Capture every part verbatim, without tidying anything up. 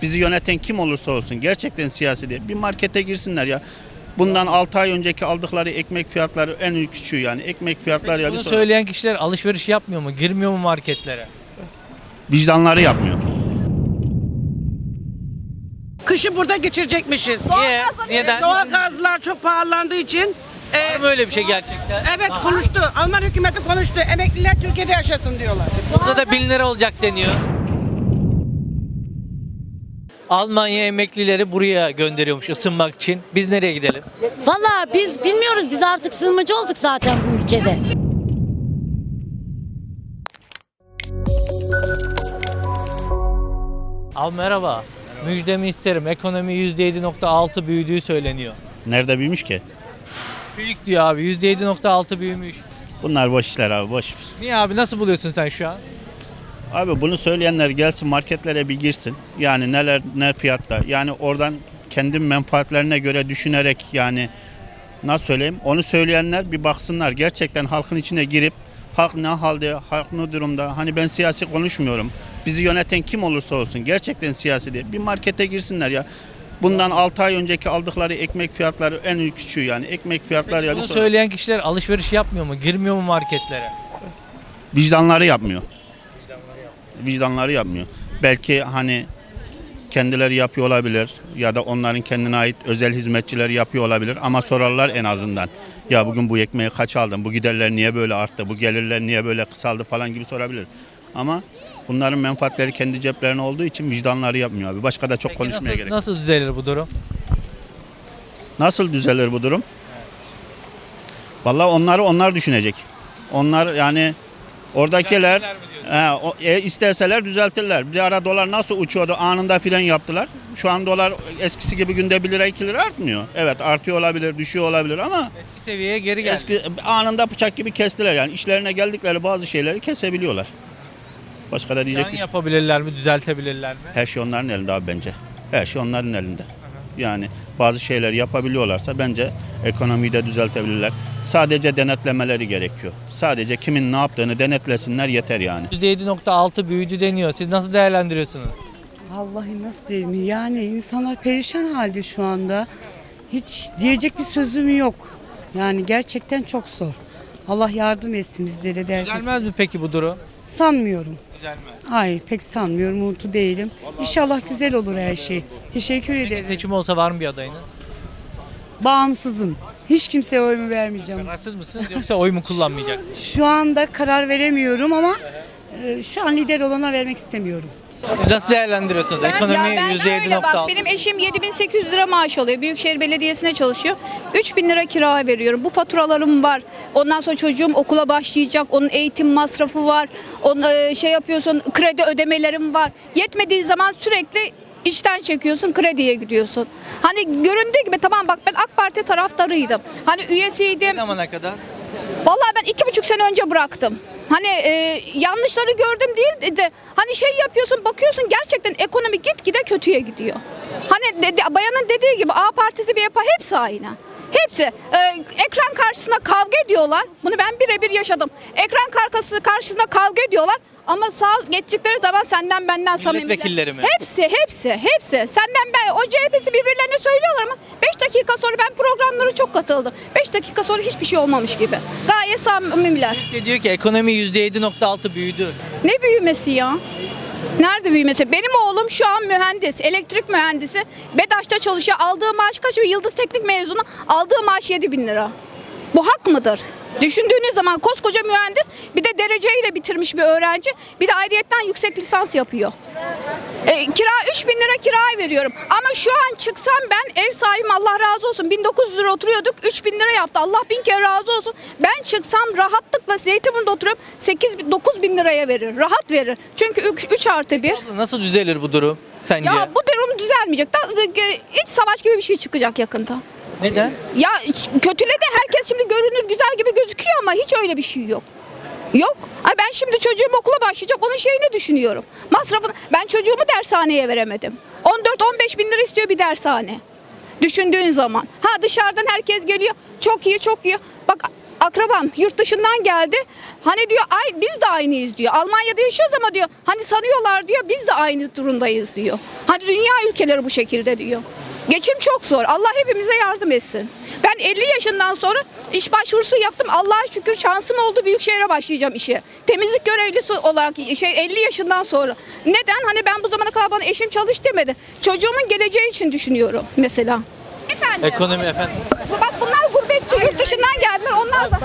Bizi yöneten kim olursa olsun gerçekten siyasi değil. Bir markete girsinler ya. Bundan altı ay önceki aldıkları ekmek fiyatları en küçüğü yani. Ekmek fiyatları ya. Bunu bir sonra- söyleyen kişiler alışveriş yapmıyor mu? Girmiyor mu marketlere? Vicdanları yapmıyor. Kışı burada geçirecekmişiz. Niye? Neden? Doğal gazlar çok pahalandığı için e, Var mı öyle bir şey gerçekten? evet konuştu. Alman hükümeti konuştu. Emekliler Türkiye'de yaşasın diyorlar. Burada da bin lira olacak deniyor. Almanya emeklileri buraya gönderiyormuş ısınmak için. Biz nereye gidelim? Vallahi biz bilmiyoruz. Biz artık sığınmacı olduk zaten bu ülkede. Al merhaba. Müjdemi isterim. Ekonomi yüzde yedi nokta altı büyüdüğü söyleniyor. Nerede büyümüş ki? Büyük diyor abi. yüzde yedi nokta altı büyümüş. Bunlar boş işler abi, boş. Niye abi? Nasıl buluyorsun sen şu an? Abi bunu söyleyenler gelsin marketlere bir girsin. Yani neler ne fiyatta. Yani oradan kendi menfaatlerine göre düşünerek yani nasıl söyleyeyim onu söyleyenler bir baksınlar. Gerçekten halkın içine girip halk ne halde, halk ne durumda. Hani ben siyasi konuşmuyorum. Bizi yöneten kim olursa olsun gerçekten siyasi değil. Bir markete girsinler ya. Bundan altı ay önceki aldıkları ekmek fiyatları en küçüğü yani. Ekmek fiyatları ya. bir Bunu sonra- söyleyen kişiler alışveriş yapmıyor mu? Girmiyor mu marketlere? Vicdanları yapmıyor. Vicdanları yapmıyor. Belki hani kendileri yapıyor olabilir ya da onların kendine ait özel hizmetçileri yapıyor olabilir ama sorarlar en azından. Ya bugün bu ekmeği kaç aldın? Bu giderler niye böyle arttı? Bu gelirler niye böyle kısaldı falan gibi sorabilir. Ama bunların menfaatleri kendi ceplerine olduğu için vicdanları yapmıyor abi. Başka da çok Peki konuşmaya nasıl, gerek yok. nasıl düzelir bu durum? Nasıl düzelir bu durum? Vallahi onları onlar düşünecek. Onlar yani oradakiler Düzeltirler mi diyorsun? he, o, e, isterseler düzeltirler. Bir ara dolar nasıl uçuyordu anında fren yaptılar. Şu an dolar eskisi gibi günde bir lira iki lira artmıyor. Evet artıyor olabilir düşüyor olabilir ama Eski seviyeye geri geldi. eski anında bıçak gibi kestiler. Yani işlerine geldikleri bazı şeyleri kesebiliyorlar. Başka da diyecek Can bir şey. yapabilirler mi? Düzeltebilirler mi? Her şey onların elinde abi bence. Her şey onların elinde. Yani bazı şeyler yapabiliyorlarsa bence ekonomiyi de düzeltebilirler. Sadece denetlemeleri gerekiyor. Sadece kimin ne yaptığını denetlesinler yeter yani. yüzde yedi nokta altı büyüdü deniyor. Siz nasıl değerlendiriyorsunuz? Vallahi nasıl diyeyim yani insanlar perişan halde şu anda. Hiç diyecek bir sözüm yok. Yani gerçekten çok zor. Allah yardım etsin bizlere de herkese. Düzelmez mi peki bu durum? Sanmıyorum. Düzelmez. Hayır pek sanmıyorum. Umutlu değilim. İnşallah güzel olur her şey. Teşekkür Peki ederim. seçim olsa var mı bir adayınız? Bağımsızım. Hiç kimseye oyumu vermeyeceğim. Kararsız mısınız yoksa oy mu kullanmayacaksınız? Şu anda karar veremiyorum ama e, şu an lider olana vermek istemiyorum. Siz nasıl değerlendiriyorsunuz? Ekonomi Ya ben yüzde yedi öyle nokta bak altı. benim eşim yedi bin sekiz yüz lira maaş alıyor. Büyükşehir Belediyesi'ne çalışıyor. üç bin lira kira veriyorum. Bu faturalarım var. Ondan sonra çocuğum okula başlayacak. Onun eğitim masrafı var. Onun e, şey yapıyorsun kredi ödemelerim var. Yetmediği zaman sürekli işten çekiyorsun, krediye gidiyorsun. Hani göründüğü gibi tamam bak ben AK Parti taraftarıydım. Hani Ne üyesiydim. zamana kadar? Vallahi ben iki buçuk sene önce bıraktım. Hani e, yanlışları gördüm değil de hani şey yapıyorsun bakıyorsun gerçekten ekonomi gitgide kötüye gidiyor. Hani de, de- bayanın dediği gibi A partisi bir yapı hepsi aynı. Hepsi e, ekran karşısında kavga ediyorlar. Bunu ben birebir yaşadım. Ekran karşısı karşısında kavga ediyorlar. Ama sağ geçtikleri zaman senden benden samimiler. Milletvekilleri mi? Hepsi, hepsi, hepsi. Senden ben, o C H P'si birbirlerine söylüyorlar ama beş dakika sonra ben programlara çok katıldım. beş dakika sonra hiçbir şey olmamış gibi. Gayet samimiler. Türkiye diyor ki ekonomi yüzde yedi nokta altı büyüdü. Ne büyümesi ya? Nerede büyümesi? Benim oğlum şu an mühendis, elektrik mühendisi. BEDAŞ'ta çalışıyor. Aldığı maaş kaç? Bir Yıldız Teknik mezunu. Aldığı maaş yedi bin lira. Bu hak mıdır? Düşündüğünüz zaman koskoca mühendis bir de dereceyle bitirmiş bir öğrenci bir de ayrıyetten yüksek lisans yapıyor. E, kira üç bin lira kiraya veriyorum ama şu an çıksam ben ev sahibim Allah razı olsun bin dokuz yüz lira oturuyorduk üç bin lira yaptı Allah bin kere razı olsun. Ben çıksam rahatlıkla Zeytinburnu'da oturup sekiz dokuz bin liraya verir rahat verir çünkü üç artı bir. Nasıl düzelir bu durum sence? Ya bu durum düzelmeyecek. Da, iç savaş gibi bir şey çıkacak yakında. Neden? Ya kötüledi herkes şimdi görünür güzel gibi gözüküyor ama hiç öyle bir şey yok. Yok. Ay ben şimdi çocuğum okula başlayacak onun şeyini düşünüyorum. Masrafını ben çocuğumu dershaneye veremedim. on dört on beş bin lira istiyor bir dershane. Düşündüğün zaman. Ha dışarıdan herkes geliyor. Çok iyi çok iyi. Bak akrabam yurt dışından geldi. Hani diyor ay biz de aynıyız diyor. Almanya'da yaşıyoruz ama diyor hani sanıyorlar diyor biz de aynı durumdayız diyor. Hani dünya ülkeleri bu şekilde diyor. Geçim çok zor. Allah hepimize yardım etsin. Ben elli yaşından sonra iş başvurusu yaptım. Allah'a şükür şansım oldu. Büyükşehir'e başlayacağım işe. Temizlik görevlisi olarak şey elli yaşından sonra. Neden? Hani ben bu zamana kadar bana eşim çalış demedi. Çocuğumun geleceği için düşünüyorum mesela. Efendim. Ekonomi efendim. Bu- Bak bunlar gurbetçi yurt dışından geldiler. Onlar da.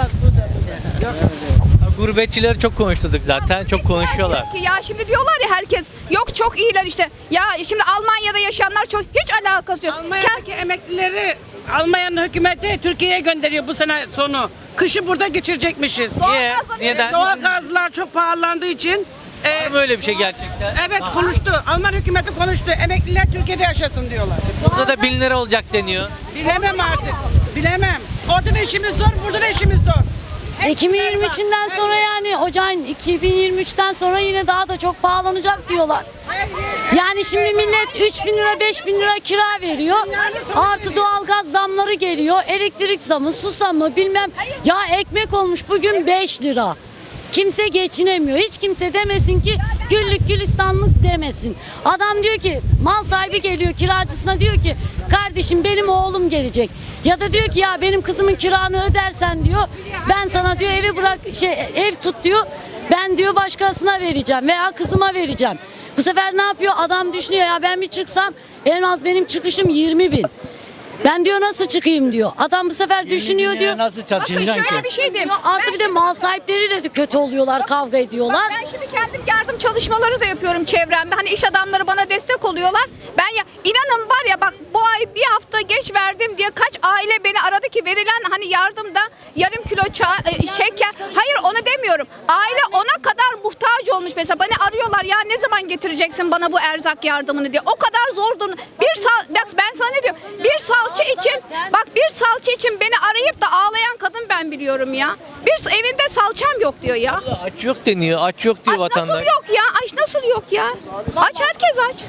Gurbetçileri çok konuştuk zaten. Çok konuşuyorlar. Ki ya şimdi diyorlar ya herkes yok çok iyiler işte. Ya şimdi Almanya'da yaşayanlar çok hiç alakası yok. Almanya'daki emeklileri Almanya'nın hükümeti Türkiye'ye gönderiyor bu sene sonu. Kışı burada geçirecekmişiz. Niye? Neden? Doğal gazlar çok pahalandığı için. e, Var mı öyle bir şey gerçekten? evet konuştu. Alman hükümeti konuştu. Emekliler Türkiye'de yaşasın diyorlar. Burada da bin lira olacak deniyor. Bilemem artık. Bilemem. Orada da işimiz zor, burada da işimiz zor. iki bin yirmi üçünden sonra yani ocağın iki bin yirmi üçten sonra yine daha da çok pahalanacak diyorlar. Yani şimdi millet üç bin lira beş bin lira kira veriyor. Artı doğalgaz zamları geliyor. Elektrik zamı, su zamı bilmem. Ya ekmek olmuş bugün beş lira. Kimse geçinemiyor. Hiç kimse demesin ki güllük gülistanlık demesin. Adam diyor ki mal sahibi geliyor kiracısına diyor ki kardeşim benim oğlum gelecek. Ya da diyor ki ya benim kızımın kiranı ödersen diyor ben sana diyor evi bırak şey ev tut diyor. Ben diyor başkasına vereceğim veya kızıma vereceğim. Bu sefer ne yapıyor? Adam düşünüyor ya ben bir çıksam en az benim çıkışım yirmi bin. Ben diyor nasıl çıkayım diyor. Adam bu sefer düşünüyor diyor. Nasıl Bakın çalışacaksın şöyle ki? bir şey diyeyim. Artı Ben bir de mal sahipleriyle de kötü oluyorlar, kavga ediyorlar. Bak ben şimdi kendim yardım çalışmaları da yapıyorum çevremde. Hani iş adamları bana destek oluyorlar. Ben ya inanın var ya bak bu ay bir hafta geç verdim diye kaç aile beni aradı ki verilen hani yardımda yarım kilo ça- e, şeker. Hayır onu demiyorum. Aile ona kadar muhtaç olmuş mesela. Beni arıyorlar ya ne zaman getireceksin bana bu erzak yardımını diye. O kadar zor durum. Bir sal bak ben sana ne diyorum? Bir salça için bak bir salça için beni arayıp da ağlayan kadın ben biliyorum ya. Bir evinde salçam yok diyor ya. Aç yok deniyor. Aç yok diyor Aç vatandaş. nasıl yok ya? Aç nasıl yok ya? Aç herkes aç.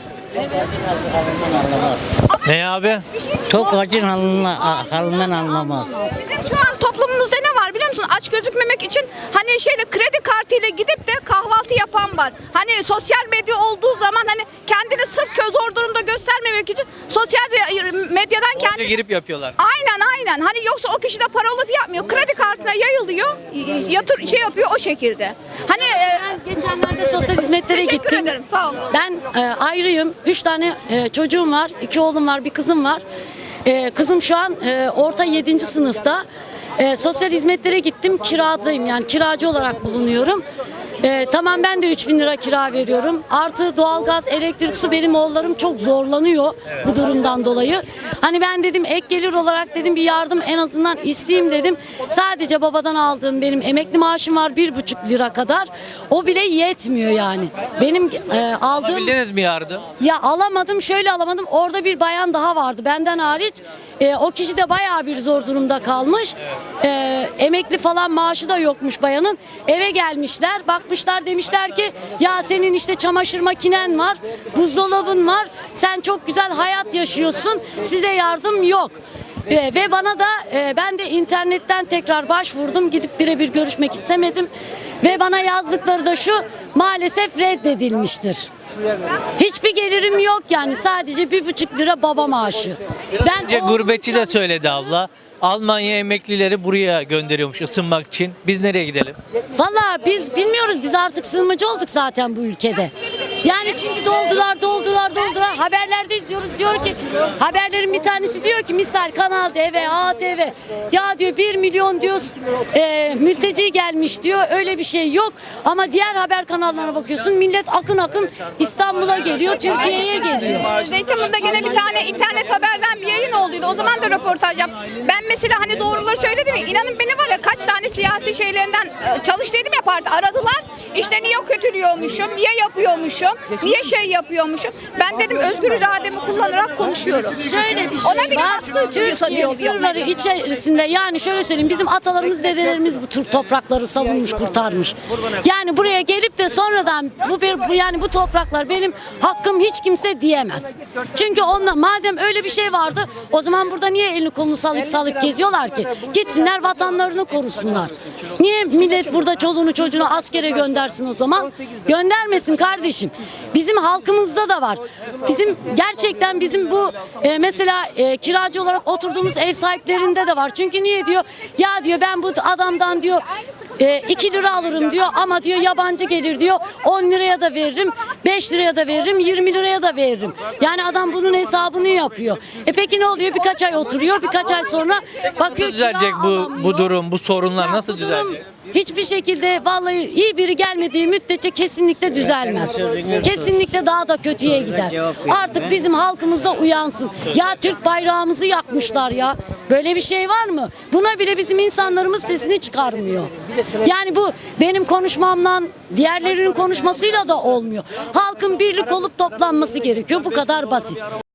Ne abi? Tok acın halına, halinden anlamaz. Bizim şu an toplumumuzda ne var biliyor musun? Aç gözükmemek için hani şeyle kredi kartıyla gidip de kahvaltı yapan var. Hani sosyal medya olduğu zaman hani kendini sırf köz zor durumda göstermemek için sosyal re- medyadan Oraya kendi girip yapıyorlar. Aynen aynen. Hani yoksa o kişi de para olup yapmıyor. Kredi kartına yayılıyor. Yatır şey yapıyor o şekilde. Hani e, Ben geçenlerde sosyal hizmetlere teşekkür gittim. ederim. Sağ olun. Ben e, ayrıyım. Üç tane e, çocuğum var. İki oğlum var, bir kızım var. E, kızım şu an e, orta yedinci sınıfta. E, sosyal hizmetlere gittim. Kiradayım yani kiracı olarak bulunuyorum. E, tamam ben de üç bin lira kira veriyorum. Artı doğalgaz, elektrik, su benim oğullarım çok zorlanıyor bu durumdan dolayı. Hani ben dedim ek gelir olarak dedim bir yardım en azından isteyeyim dedim. Sadece babadan aldığım benim emekli maaşım var bir buçuk lira kadar. O bile yetmiyor yani. Benim e, aldığım... Alabildiniz mi yardım? Ya alamadım şöyle alamadım orada bir bayan daha vardı benden hariç. E, o kişi de bayağı bir zor durumda kalmış. E, emekli falan maaşı da yokmuş bayanın. Eve gelmişler bakmışlar demişler ki ya senin işte çamaşır makinen var, buzdolabın var. Sen çok güzel hayat yaşıyorsun. Size yardım yok. E, ve bana da e, ben de internetten tekrar başvurdum. Gidip birebir görüşmek istemedim. Ve bana yazdıkları da şu maalesef reddedilmiştir. Hiçbir gelirim yok yani sadece bir buçuk lira baba maaşı. Ben Önce oğlum gurbetçi de çalış- söyledi abla. Almanya emeklileri buraya gönderiyormuş ısınmak için. Biz nereye gidelim? Vallahi biz bilmiyoruz biz artık sığınmacı olduk zaten bu ülkede. Yani çünkü doldular doldular doldular haberlerde izliyoruz diyor ki haberlerin bir tanesi diyor ki misal Kanal T V, A T V ya diyor bir milyon diyor e, mülteci gelmiş diyor öyle bir şey yok ama diğer haber kanallarına bakıyorsun millet akın akın İstanbul'a geliyor Türkiye'ye geliyor. Zeytinburnu'da gene bir tane internet haberden bir yayın olduydu. O zaman da röportaj yap. Ben mesela hani doğruları söyledim ya inanın beni var ya kaç tane siyasi şeylerinden e, çalış dedim ya parti aradılar. İşte niye kötülüyormuşum, niye yapıyormuşum. yapıyormuşum? Niye şey yapıyormuşum? Ben dedim özgür irademi kullanarak konuşuyorum. Şöyle bir şey Ona biri var. baskı uyguluyorsa Türkiye diye oluyor. sınırları içerisinde yani şöyle söyleyeyim bizim atalarımız dedelerimiz bu Türk toprakları savunmuş kurtarmış. Yani buraya gelip de sonradan bu, bir, bu yani bu topraklar benim hakkım hiç kimse diyemez. Çünkü onunla madem öyle bir şey vardı o zaman burada niye elini kolunu sallayıp sallayıp geziyorlar ki? Gitsinler vatanlarını korusunlar. Niye millet burada çoluğunu çocuğunu askere göndersin o zaman? Göndermesin kardeşim. Bizim halkımızda da var. Bizim gerçekten bizim bu e, mesela e, kiracı olarak oturduğumuz ev sahiplerinde de var. Çünkü niye diyor? Ya diyor ben bu adamdan diyor iki lira alırım diyor ama diyor yabancı gelir diyor on liraya da veririm, beş liraya da veririm, yirmi liraya da veririm. Yani adam bunun hesabını yapıyor. E peki ne oluyor? Birkaç ay oturuyor, birkaç ay sonra bakıyor Nasıl düzelecek kira bu alamıyor. bu durum, bu sorunlar Ya nasıl bu durum düzelecek? Hiçbir şekilde vallahi iyi biri gelmediği müddetçe kesinlikle düzelmez. Kesinlikle daha da kötüye gider. Artık bizim halkımız da uyansın. Ya Türk bayrağımızı yakmışlar ya. Böyle bir şey var mı? Buna bile bizim insanlarımız sesini çıkarmıyor. Yani bu benim konuşmamla diğerlerinin konuşmasıyla da olmuyor. Halkın birlik olup toplanması gerekiyor. Bu kadar basit.